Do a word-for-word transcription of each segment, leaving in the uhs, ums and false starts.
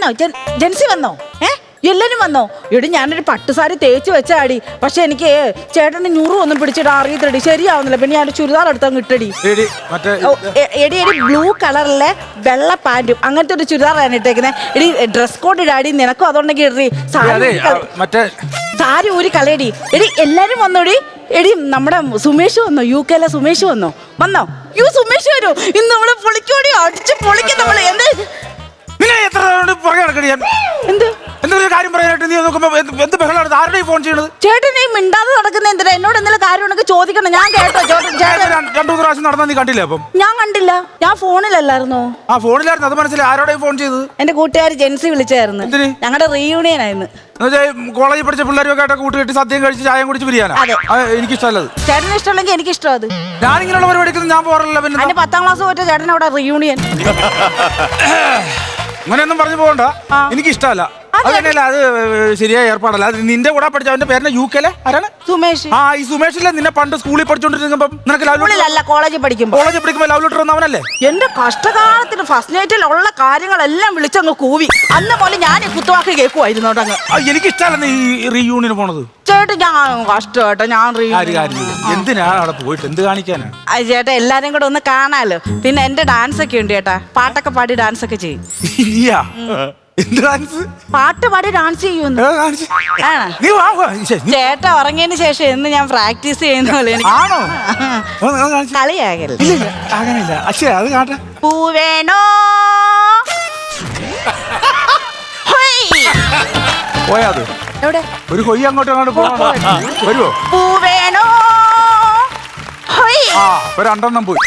വന്നോ? ജെൻസി വന്നോ? ഏ എല്ലാരും വന്നോ? എടി ഞാനൊരു പട്ടുസാരി തേച്ച് വെച്ചാടി. പക്ഷെ എനിക്ക് ചേട്ടന് ഞുറു ഒന്നും പിടിച്ചിട്ട് അറിയത്തടി, ശരിയാവുന്നില്ല. പിന്നെ ഞാൻ ചുരിദാർ എടുത്തങ്ങ് ഇട്ടടി. എടി എടി ബ്ലൂ കളറിലെ വെള്ള പാന്റും അങ്ങനത്തെ ഒരു ചുരിദാറാണ് ഇട്ടേക്കുന്നത്. എടി ഡ്രസ് കോഡ് ഇടാടി, നിനക്കും അതുണ്ടെങ്കിൽ ഇടറി. സാരി ഊരി കളയടി. എടി എല്ലാരും വന്നോടി. എടി നമ്മുടെ സുമേഷ് വന്നോ? യു കെയിലെ സുമേഷ് വന്നോ? വന്നോ? യു സുമേഷ് വരൂ. ഇന്ന് നമ്മള് പൊളിക്കോടി, അടിച്ച് പൊളിക്കും നമ്മള്. എന്താ എന്ത് എന്തെങ്കിലും കാര്യം പറയാനായിട്ട് നീ നോക്കുമ്പോ എന്ത് ബഹളമാണ്? ആരുടെ ഫോൺ ചെയ്യണത്? ചേട്ടൻ ഈ മിണ്ടാതെ നടക്കുന്ന എന്തിനാ? എന്നോട് എന്തെങ്കിലും കാര്യം ഉണ്ടെങ്കിൽ ചോദിക്കണം. ഞാൻ കേട്ടോ രണ്ടു മൂന്ന് പ്രാവശ്യം നടന്നാ നീ കണ്ടില്ല? അപ്പം ഞാൻ കണ്ടില്ല, ഞാൻ ഫോണിലല്ലായിരുന്നോ? ആ ഫോണിലായിരുന്നു, അത് മനസ്സിലായി. ആരോടെ ഫോൺ ചെയ്തത്? എന്റെ കൂട്ടുകാർ ജെൻസി വിളിച്ചായിരുന്നു. ഞങ്ങളുടെ റീയൂണിയൻ ആയിരുന്നു. കോളേജിൽ പഠിച്ച പിള്ളേരൊക്കെ ആയിട്ട് കൂട്ടുകെട്ടി സദ്യം കഴിച്ച് ചായം കുടിച്ച് പിരിയാനാ. എനിക്ക് ഇഷ്ടമല്ലത്. ചേട്ടന് ഇഷ്ടമല്ലെങ്കിൽ എനിക്ക് ഇഷ്ടം. അത് ഞാനിങ്ങനെയുള്ള പരിപാടിക്ക് ഞാൻ പോകാറില്ല. പിന്നെ എന്റെ പത്താം ക്ലാസ് പോയിട്ട് ചേട്ടൻ അവിടെ റീയൂണിയൻ അങ്ങനെയൊന്നും പറഞ്ഞു പോകണ്ട. എനിക്ക് ഇഷ്ടമല്ല. അതന്നെയല്ല, അത് ശരിയായ ഏർപ്പാടല്ല. അത് നിന്റെ കൂടെ പഠിച്ച അവന്റെ പേരിന് യു കെയിലെ ആരാണ്? സുമേഷ്. ആ ഈ സുമേഷിലെ നിന്നെ പണ്ട് സ്കൂളിൽ പഠിച്ചോണ്ടിരിക്കുമ്പോ നിനക്ക് ലവ് കോളേജിൽ പഠിക്കുമ്പോ കോളേജിൽ പഠിക്കുമ്പോ ലവ് ലെറ്റർ വന്നവനല്ലേ? എന്റെ കഷ്ടകാലത്തിന് ഫസ്റ്റ് നൈറ്റിൽ ഉള്ള കാര്യങ്ങളെല്ലാം വിളിച്ചങ്ങ് കൂവി. അന്ന് പോലെ ഞാൻ ഈ കുത്തുവാക്ക് കേൾക്കുമായിരുന്നു. എനിക്ക് ഇഷ്ടമല്ല ഈ റീയൂണിയന് പോണത്. ചേട്ടാ ഞാൻ കഷ്ടമായിട്ടോ. ഞാൻ എന്തിനാണ് അവിടെ പോയിട്ട് എന്ത് കാണിക്കാനാണ്? ചേട്ടാ എല്ലാരും കൂടെ ഒന്ന് കാണാലോ. പിന്നെ എന്റെ ഡാൻസ് ഒക്കെ ഉണ്ട് ചേട്ടാ. പാട്ടൊക്കെ പാടി ഡാൻസ് ഒക്കെ ചെയ്യും. പാട്ട് പാടി ഡാൻസ് ചെയ്യുന്നു. ചേട്ടാ ഉറങ്ങിയതിന് ശേഷം എന്ന് ഞാൻ പ്രാക്ടീസ് ചെയ്യുന്ന പോലെ. കളിയാകല്ലേ? പൂവേണോ പോയാത് എവിടെ? ഒരു കൊയ്യ അങ്ങോട്ട് അങ്ങോട്ട് വരുമോ? പൂവേണോ രണ്ടെണ്ണം പോയി.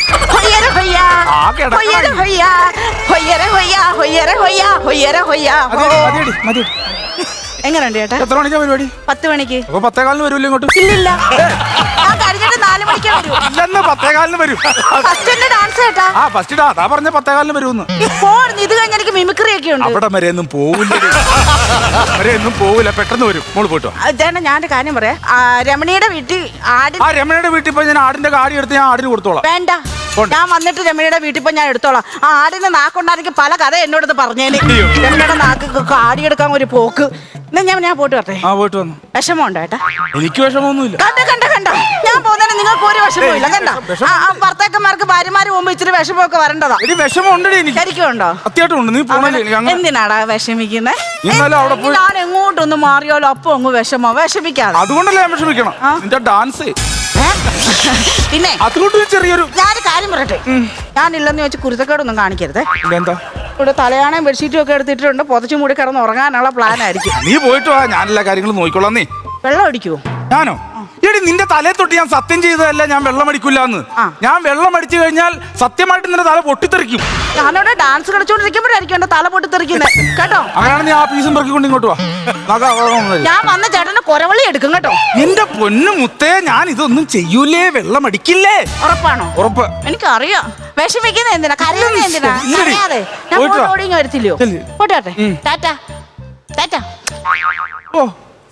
എങ്ങനെയുണ്ട് ചേട്ടാ? എത്ര മണിക്കാ പരിപാടി? പത്ത് മണിക്ക്. അപ്പൊ പത്തേകാലിന് വരൂല്ലോ ഇങ്ങോട്ട്? ഇല്ലില്ല, ഞാൻ കഴിഞ്ഞിട്ട് നാല് മണിക്കാ വരൂ. ഇല്ലെന്ന് പത്തേകാലിന് വരും. ഫസ്റ്റ് ഡാൻസ് ചേട്ടാ. ആ ഫസ്റ്റ് അതാ പറഞ്ഞ പത്തേകാലിന് വരുമെന്ന്. ഇത് കഴിഞ്ഞ എനിക്ക് മിമിക്രി ഒക്കെ ഉണ്ട്. അവിടെ വരെ ഒന്നും പോവില്ല, വരെ ഒന്നും പോവില്ല. പെട്ടെന്ന് വരും. മോള് പോയിട്ടോ. ചേട്ടാ ഞാൻ ഒരു കാര്യം പറയാം. രമണിയുടെ വീട്ടിൽ ആട്. ആ രമണിയുടെ വീട്ടിൽ പോയി ഞാൻ ആടിന്റെ കാടി എടുത്ത് ഞാൻ ആടിന് കൊടുത്തോളാം. വേണ്ട, ഞാൻ വന്നിട്ട് രമണിയുടെ വീട്ടിൽ പോയി ഞാൻ എടുത്തോളാം. ആ ആടിന് നാക്കുണ്ടായിരിക്കും പല കഥ എന്നോടത് പറഞ്ഞേന്. രമണിയുടെ നാക്ക് കാടിയെടുക്കാൻ ഒരു പോക്ക്. എന്നാ ഞാൻ ഞാൻ പോയിട്ട് വരട്ടെ. ആ പോയിട്ട് വന്നു. വിഷമമുണ്ടോ ഏട്ടാ? എനിക്ക് വിഷമമൊന്നുമില്ല. കണ്ട കണ്ട കണ്ട ഞാൻ പോകുന്നതിന് നിങ്ങൾക്ക് ഒരു വിഷമമില്ല. കണ്ട ഭർത്താക്കന്മാർക്ക് ഭാര്യമാര് പോകുമ്പോ ഇച്ചിരി വിഷമമൊക്കെ വരേണ്ടതാ. ശരിക്കുണ്ടോ? എന്തിനാടാ വിഷമിക്കുന്നത്? ഞാൻ എങ്ങോട്ടൊന്ന് മാറിയാലോ അപ്പൊ അങ്ങ് വിഷമോ. വിഷമിക്കാതെ. അതുകൊണ്ടല്ലേ ഞാൻ വിഷമിക്കണം. ഡാൻസ് പിന്നെ ചെറിയൊരു ഞാനൊരു കാര്യം പറയട്ടെ. ഞാനില്ലെന്ന് വെച്ച് കുരുത്തക്കേടൊന്നും കാണിക്കരുത്. എന്താ ഇവിടെ തലയാണയും ബെഡ്ഷീറ്റും ഒക്കെ എടുത്തിട്ടുണ്ട്. പുതച്ചു മൂടി കിടന്ന് ഉറങ്ങാനുള്ള പ്ലാൻ ആയിരിക്കും. നീ പോയിട്ട് വാ, ഞാൻ എല്ലാ കാര്യങ്ങളും നോക്കിക്കോളാം. നീ വെള്ളം അടിക്കുവോ? ഞാനോ? എടി നിന്റെ തലയെ തൊട്ട് ഞാൻ സത്യം ചെയ്തതല്ല ഞാൻ വെള്ളം അടിക്കില്ലാന്ന്. ഞാൻ വെള്ളം അടിച്ചു കഴിഞ്ഞാൽ സത്യമായിട്ട് നിന്റെ തല പൊട്ടിത്തെറിക്കും. ഞാനവിടെ ഡാൻസ് കളിച്ചോണ്ടിരിക്കുമ്പോഴായിരിക്കും എന്റെ തല പൊട്ടിത്തെറിക്കുന്നത് കേട്ടോ. അങ്ങനെയാണ് നീ ആ പീസും പെറുക്കിക്കൊണ്ട് ഇങ്ങോട്ട് വാ. ഞാൻ വന്ന ചേട്ടന്റെ കൊരവള്ളി എടുക്കും കേട്ടോ. എന്റെ പൊന്നു മുത്തേ, ഞാൻ ഇതൊന്നും ചെയ്യൂലേ, വെള്ളം അടിക്കില്ലേ. ഉറപ്പാണോ? ഉറപ്പ്. എനിക്കറിയാം. വിഷമിക്കുന്ന എന്തിനാ, കരയുന്ന എന്തിനാ? അറിയാതെ ഞാൻ ഓടിങ്ങ വരത്തില്ലയോ? പോട്ടെ. ടാറ്റ ടാറ്റ. ഓ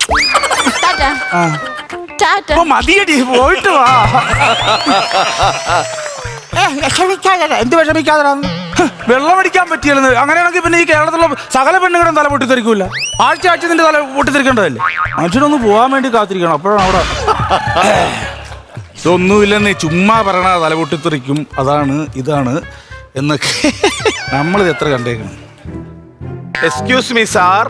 ടാറ്റ. മതിയടി, പോയിട്ട് വാ. എന്ത് വിഷമിക്കാതെ വെള്ളം അടിക്കാൻ പറ്റിയെന്ന്. അങ്ങനെയാണെങ്കിൽ പിന്നെ ഈ കേരളത്തിലുള്ള സകല പെണ്ണുങ്ങളും തല പൊട്ടിത്തെറിക്കൂല. ആഴ്ച ആഴ്ച നിന്റെ തല പൊട്ടിത്തെറിക്കേണ്ടതല്ലേ? മനുഷ്യനൊന്ന് പോകാൻ വേണ്ടി കാത്തിരിക്കണം. അപ്പോഴാണ് അവിടെ ഇതൊന്നുമില്ലെന്ന് ചുമ്മാ പറയണ തല പൊട്ടിത്തെറിക്കും, അതാണ് ഇതാണ് എന്നൊക്കെ നമ്മളിത് എത്ര കണ്ടേക്കണം. Excuse me sir.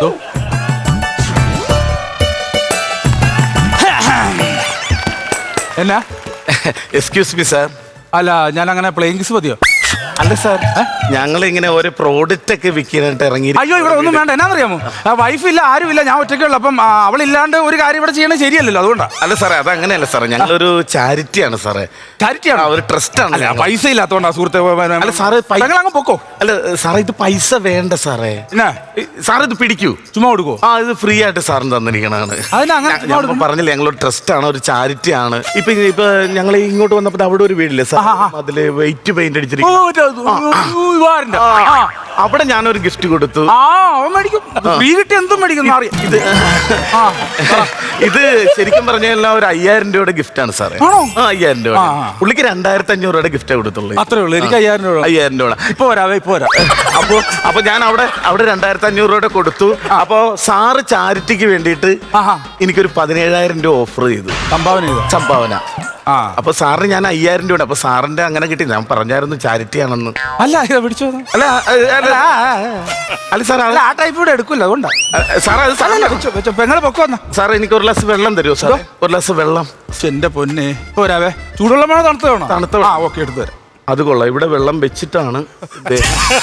എന്നാ? Excuse me sir. അല്ല, ഞാൻ അങ്ങനെ പ്ലെയിൻ കിസ് മതിയോ? അല്ല സാർ, ഞങ്ങൾ ഇങ്ങനെ ഒരു പ്രോഡക്റ്റ് ഒക്കെ വിൽക്കാനായിട്ട് ഇറങ്ങി. അയ്യോ, ഇവിടെ ഒന്നും വേണ്ട. എന്നാന്നറിയാമോ, വൈഫില്ല, ആരുമില്ല, ഞാൻ ഒറ്റയ്ക്കുള്ളൂ. അപ്പം അവളില്ലാണ്ട് ഒരു കാര്യം ഇവിടെ ചെയ്യണത് ശരിയല്ലല്ലോ, അതുകൊണ്ടാണ്. അല്ല സാറേ, അത് അങ്ങനെയല്ല സാറേ, ഞങ്ങളൊരു ചാരിറ്റിയാണ് സാറേ. ചാരിറ്റിയാണ്? ഒരു ട്രസ്റ്റ് ആണ്. പൈസ ഇല്ലാത്തോണ്ടാ സുഹൃത്തെ. അല്ല സാറേ, അങ്ങ് പൊക്കോ. അല്ല സാറേ, ഇത് പൈസ വേണ്ട സാറേ. സാർ ഇത് പിടിക്കൂ, ചുമ്മാ കൊടുക്കോ? ആ, ഇത് ഫ്രീ ആയിട്ട് സാറിന് തന്നിരിക്കണാണ്. പറഞ്ഞില്ലേ, ഞങ്ങളൊരു ട്രസ്റ്റ് ആണ്, ഒരു ചാരിറ്റി ആണ്. ഇപ്പൊ ഇപ്പൊ ഞങ്ങൾ ഇങ്ങോട്ട് വന്നപ്പോ അവിടെ ഒരു വീടില്ലേ സാർ, അതില് വെയിറ്റ് പെയിന്റ് അടിച്ചിരിക്കും. ഇവാറിന്റെ ആ, അവിടെ ഞാനൊരു ഗിഫ്റ്റ് കൊടുത്തു. ആ അവൻ മേടിക്കും, ഫ്രീ കിട്ടി എന്തും മേടിക്കും അറിയാം. ഇത് ഇത് ശരിക്കും പറഞ്ഞാൽ ഒരു അയ്യായിരം രൂപയുടെ ഗിഫ്റ്റ് ആണ് സാറേ. ആണോ? ആ, അയ്യായിരം രൂപ. പുള്ളിക്ക് രണ്ടായിരത്തി അഞ്ഞൂറ് രൂപയുടെ ഗിഫ്റ്റ് കൊടുത്തുള്ളൂ. അത്രേ ഉള്ളൂ. എനിക്ക് അയ്യായിരം രൂപ. അയ്യായിരം രൂപ ഇപ്പൊ വരാവേ, ഇപ്പൊ വരാം. അപ്പൊ അപ്പൊ ഞാൻ അവിടെ അവിടെ രണ്ടായിരത്തി അഞ്ഞൂറ് രൂപയുടെ കൊടുത്തു. അപ്പൊ സാറ് ചാരിറ്റിക്ക് വേണ്ടിയിട്ട് എനിക്കൊരു പതിനേഴായിരം രൂപ ഓഫർ ചെയ്തു, സംഭാവന ചെയ്തു. സംഭാവന. ആ, അപ്പൊ സാറിന് ഞാൻ അയ്യായിരം രൂപ. അപ്പൊ സാറിന്റെ അങ്ങനെ കിട്ടി. ഞാൻ പറഞ്ഞായിരുന്നു ചാരിറ്റി ആണെന്ന്. അല്ല ഇത് പിടിച്ചോ. അല്ല അല്ല അല്ല സാർ അല്ല, ആ ടൈപ്പ് ഇവിടെ എടുക്കില്ല, അതുകൊണ്ടാ. സാറേ അത് സാറല്ല. പെങ്ങളെ പൊക്കോ വന്ന സാറേ എനിക്ക് ഒരു ഗ്ലാസ് വെള്ളം തരുമോ സാറേ? ഒരു ഗ്ലാസ് വെള്ളം. എന്റെ പൊന്നെ, ഇപ്പൊ വരാവേ. ചൂടുവെള്ളം വേണോ തണുത്ത വേണോ? തണുത്ത. ആ ഓക്കെ, എടുത്തു തരാം. അത് കൊള്ളാം. ഇവിടെ വെള്ളം വെച്ചിട്ടാണ് ദേ.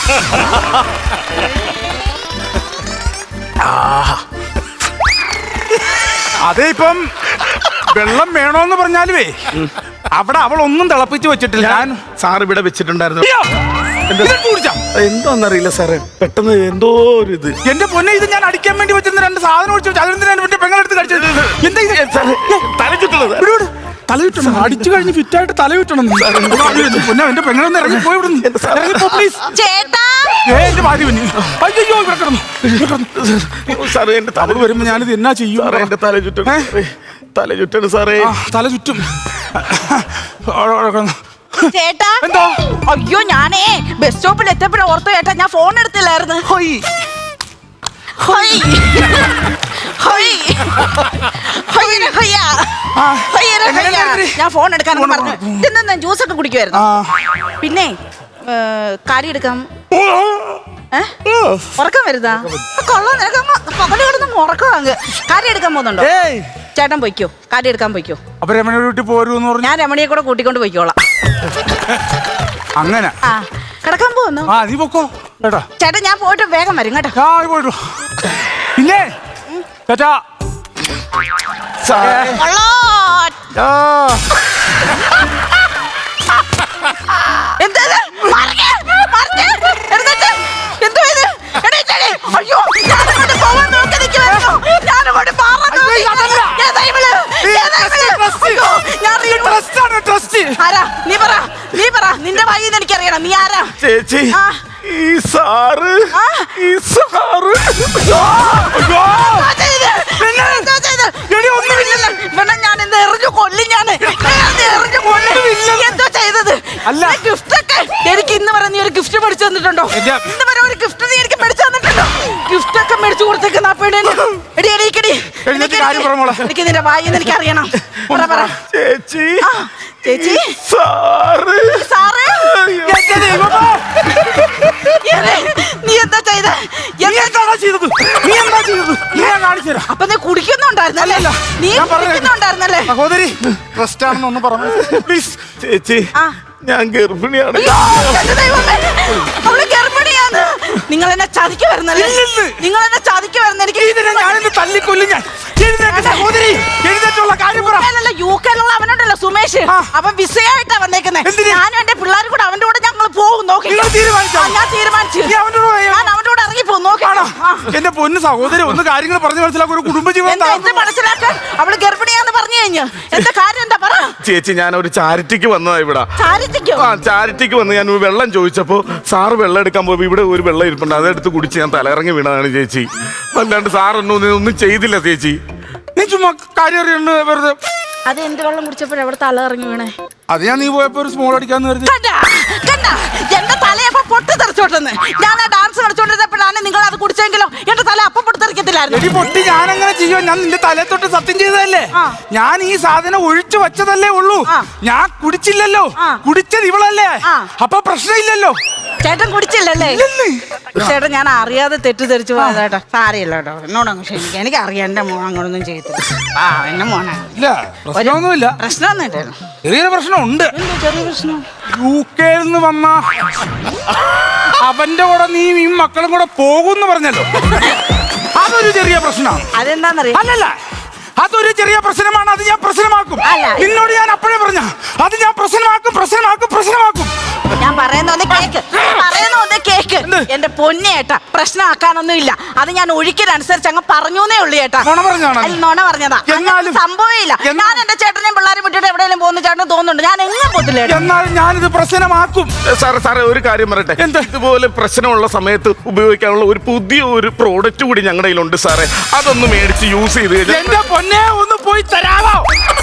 അതേ ഇപ്പം വെള്ളം വേണോന്ന് പറഞ്ഞാലുവേ അവിടെ അവൾ ഒന്നും തിളപ്പിച്ച് വെച്ചിട്ടില്ല. ഞാൻ സാർ ഇവിടെ വെച്ചിട്ടുണ്ടായിരുന്നു. കുടിച്ചാ എന്തോന്നറിയില്ല സാറേ, പെട്ടെന്ന് എന്തോ ഒരു ഇത്. എന്റെ പൊന്നെ, ഇത് ഞാൻ അടിക്കാൻ വേണ്ടി വെച്ചിരുന്ന രണ്ട് സാധനം ഒഴിച്ചു വെച്ചു. അതിനെന്തിനാണ് എന്റെ പെങ്ങളെടുത്ത് കഴിച്ചത്? എന്താ ഇത്? തല ചുറ്റുള്ളത്. തല ചുറ്റണം. അടിച്ചു കഴിഞ്ഞ് ഫിറ്റായിട്ട് തല ചുറ്റണം. പൊന്നെ, എന്റെ പെങ്ങളൊന്ന് ഇറങ്ങി പോയി വിടുന്നു. ഇറങ്ങിപ്പോ പ്ലീസ്. എന്റെ ഭാര്യ പിന്നെ അയ്യോ ഇവിടെ കിടന്നു. സാറേ എന്റെ തല അവള് വരുമ്പോ ഞാനിത് എന്നാ ചെയ്യും? സാറേ എന്റെ തല ചുറ്റണം. തല ചുറ്റണം സാറേ. ആ, തല ചുറ്റും. ചേട്ടാ, എന്തോ? അയ്യോ ഞാനേ ബസ് സ്റ്റോപ്പിൽ എത്തിയപ്പോഴേ ഓർത്തു ചേട്ടാ, ഞാൻ ഫോൺ എടുത്തില്ലായിരുന്നു. ഹോയ് ഹോയ് ഹോയ് ഹൊയ്യനെ ഹൊയ്യ. ഹൊയ്യനെ ഹൊയ്യ. ഞാൻ ഫോൺ എടുക്കാനെന്ന് പറഞ്ഞു ഇതെന്താ ജ്യൂസ് ഒക്കെ കുടിക്കുമായിരുന്നു. പിന്നെ കാര്യം എടുക്കാം. ഉറക്കം വരുതാ? കൊള്ളാം, നിനക്ക് പകല് കിടന്ന് ഉറക്കം അങ്ങ്. കാര്യം എടുക്കാൻ പോകുന്നുണ്ടോ? ചേട്ടൻ പൊയ്ക്കോ, കാര്യം എടുക്കാൻ പൊയ്ക്കോ. അപ്പൊ രമണിയുടെ വീട്ടിൽ പോരൂന്ന് പറഞ്ഞു. ഞാൻ രമണിയെ കൂടെ കൂട്ടിക്കൊണ്ട് പോയിക്കോളാം. അങ്ങനെ ആ, കിടക്കാൻ പോകുന്നു. ആ, നീ പൊക്കോ ചേട്ടാ. ചേട്ടാ ഞാൻ പോയിട്ട് വേഗം വരും കേട്ടോ. ആ, പോയിട്ടു. പിന്നെ ചേട്ടാ എന്താ അയ്യോ, ഞാനങ്ങോട്ട് പോവാൻ നോക്കി നിൽക്കുവായിരുന്നു. ഞാനങ്ങോട്ട് ആരാ? നീ പറ, നീ പറ. നിന്റെ വഴിന്ന് എനിക്കറിയണം. നീ ആരാ? ചേച്ചി, ഈ സാറ് ഈ സാറ് ഞാൻ എന്താ എറിഞ്ഞു കൊല്ലും. ഞാൻ എറിഞ്ഞു കൊല്ലും. എന്തോ ചെയ്തത്? അല്ല, ഗിഫ്റ്റ് ഒക്കെ എനിക്ക് ഇന്ന് വരെ നീ ഒരു ഗിഫ്റ്റ് മേടിച്ചു തന്നിട്ടുണ്ടോ? ഇന്ന് വരെ ഒരു ഗിഫ്റ്റ് നീ എനിക്ക് മേടിച്ചു തന്നിട്ടുണ്ടോ? ഗിഫ്റ്റ് ഒക്കെ മേടിച്ചു കൊടുത്തേക്കുന്ന എനിക്ക് നിന്റെ വായിന്ന് എനിക്ക് അറിയണം. പറ പറ. ചേച്ചി, ചേച്ചി, സാറ് സാറ് നീ എന്താ ചെയ്ത? നീ എന്താ ചെയ്തത്? ഞാൻ കാണിച്ചു തരാം. അപ്പൊ നീ കുടിക്കുന്നുണ്ടായിരുന്നല്ലേ? നീ കുടിക്കുന്നുണ്ടായിരുന്നല്ലേ? സഹോദരി റെസ്റ്റ് ആണെന്നൊന്നും പറഞ്ഞു പ്ലീസ്. ചേച്ചി, ഞാൻ ഗർഭിണിയാണ്. അവള് ഗർഭിണിയാണ്. നിങ്ങൾ എന്നെ ചതിക്ക് വരുന്നല്ലേ? നിങ്ങൾ എന്നെ ചതിക്ക് വരുന്ന എനിക്ക് ഞാനെന്നെ തല്ലിക്കൊല്ലും. ഞാൻ സഹോദരി എഴുന്നേറ്റുള്ള കാര്യം പറ. യു കെയിലുള്ള അവനുണ്ടല്ലോ സുമേഷ്, അവൻ വിസയായിട്ടാ വന്നേക്കുന്നത്. ഞാനും എന്റെ പിള്ളേരും കൂടെ അവന്റെ കൂടെ ഞങ്ങൾ പോകും. നോക്കി ഞാൻ തീരുമാനിച്ചു. ഞാൻ അവന്റെ കൂടെ ഇറങ്ങി പോകും. നോക്കാണോ? എന്റെ പൊന്ന് സഹോദരി, ഒന്ന് കാര്യങ്ങൾ പറഞ്ഞു മനസ്സിലാക്കും. ഒരു കുടുംബജീവിതം മനസ്സിലാക്കാൻ. അവള് ഗർഭിണിയാന്ന് പറഞ്ഞു കഴിഞ്ഞു. എന്താ കാര്യം? എന്താ പറ. ചേച്ചി, ഞാൻ ഒരു ചാരിറ്റിക്ക് വന്നതാ ഇവിടെ. ചാരിറ്റിക്കോ? ആ, ചാരിറ്റിക്ക് വന്ന് ഞാൻ ഒരു വെള്ളം ചോദിച്ചപ്പോ സാറ് വെള്ളം എടുക്കാൻ പോയി. ഇവിടെ ഒരു വെള്ളം ഇരിപ്പുണ്ട്, അതെടുത്ത് കുടിച്ച് ഞാൻ തലയിറങ്ങി വീണതാണ് ചേച്ചി. അല്ലാണ്ട് സാറൊന്നും ഒന്നും ചെയ്തില്ല ചേച്ചി. നീ ചുമ്മാ കാര്യം അറിയണ്ട വെറുതെ. അത് എന്ത് വെള്ളം കുടിച്ചപ്പോഴേ അവിടെ തല ഇറങ്ങി വീണേ? അത് ഞാൻ നീ പോയപ്പോ ഒരു സ്മോൾ അടിക്കാന്ന് കരുതി. എന്റെ തലയപ്പോ പൊട്ടി തെറിച്ചോട്ടെന്ന്. ഞാൻ ആ ഡാൻസ് കളിച്ചോണ്ടിരുന്നപ്പോഴാണ് നിങ്ങൾ അത് കുടിച്ചെങ്കിലോ എന്റെ തല അപ്പം പൊട്ടി തെറിക്കത്തില്ലായിരുന്നു. പൊട്ടി ഞാൻ അങ്ങനെ ചെയ്യോ? ഞാൻ നിന്റെ തലയെ തൊട്ട് സത്യം ചെയ്തതല്ലേ. ഞാൻ ഈ സാധനം ഒഴിച്ചു വെച്ചതല്ലേ ഉള്ളൂ. ഞാൻ കുടിച്ചില്ലല്ലോ. കുടിച്ചത് ഇവളല്ലേ. അപ്പൊ പ്രശ്നമില്ലല്ലോ. ചേട്ടൻ കുടിച്ചില്ലല്ലേ? ചേട്ടൻ ഞാൻ അറിയാതെ തെറ്റിദ്ധരിച്ചു പോയതാട്ടോ. സാരിയല്ല കേട്ടോ, എന്നോടങ്ങ് ക്ഷമിക്കാം. എനിക്ക് അറിയാം എന്റെ മോൻ അങ്ങനൊന്നും ചെയ്തില്ല. ആ, എന്റെ മോനാണ്. പ്രശ്നമൊന്നുമില്ല. പ്രശ്നമൊന്നും ചെറിയൊരു പ്രശ്നമുണ്ട്. ചെറിയ പ്രശ്നം. യു കെയിൽ നിന്ന് വന്ന അവന്റെ കൂടെ നീ ഈ മക്കളും കൂടെ പോകുമെന്ന് പറഞ്ഞല്ലോ, അതൊരു ചെറിയ പ്രശ്നമാണ്. അതെന്താന്നറിയാം? അല്ലല്ല, അതൊരു ചെറിയ പ്രശ്നമാണ്, അത് ഞാൻ പ്രശ്നമാക്കും. അല്ല. നിന്നോട് ഞാൻ അപ്പോഴേ പറഞ്ഞ അത് ഞാൻ പ്രശ്നമാക്കും പ്രശ്നമാക്കും പ്രശ്നമാക്കും. ഞാൻ പറയുന്ന ഒന്ന് കേക്ക് പറയുന്ന ഒന്ന് കേക്ക് എന്ത്? എന്റെ പൊന്നെ ഏട്ടാ, പ്രശ്നമാക്കാനൊന്നും ഇല്ല. അത് ഞാൻ ഒഴുക്കിനനുസരിച്ച് അങ്ങ് പറഞ്ഞേ ഉള്ളൂ ഏട്ടാ. നുണ പറഞ്ഞാണോ? അല്ല, നുണ പറഞ്ഞതാ. എന്നാലും- സംഭവമില്ല. എന്നാ- ഞാൻ എന്റെ ചേട്ടനെയും പിള്ളേരും വിട്ടിട്ട് എവിടെയെങ്കിലും പോകുന്ന ചേട്ടന് തോന്നുന്നുണ്ട്. ഞാൻ എങ്ങും പോത്തില്ല ഏട്ടാ. എന്നാലും ഞാനിത് പ്രശ്നമാക്കും. സാറേ സാറേ ഒരു കാര്യം പറയട്ടെ. എന്ത്? ഇതുപോലെ പ്രശ്നമുള്ള സമയത്ത് ഉപയോഗിക്കാനുള്ള ഒരു പുതിയ ഒരു പ്രോഡക്റ്റ് കൂടി ഞങ്ങളുടെ കയ്യിലുണ്ട് സാറേ. അതൊന്ന് മേടിച്ച് യൂസ് ചെയ്ത് കഴിഞ്ഞാൽ എന്റെ പൊന്നെ ഒന്ന് പോയി തരാമോ?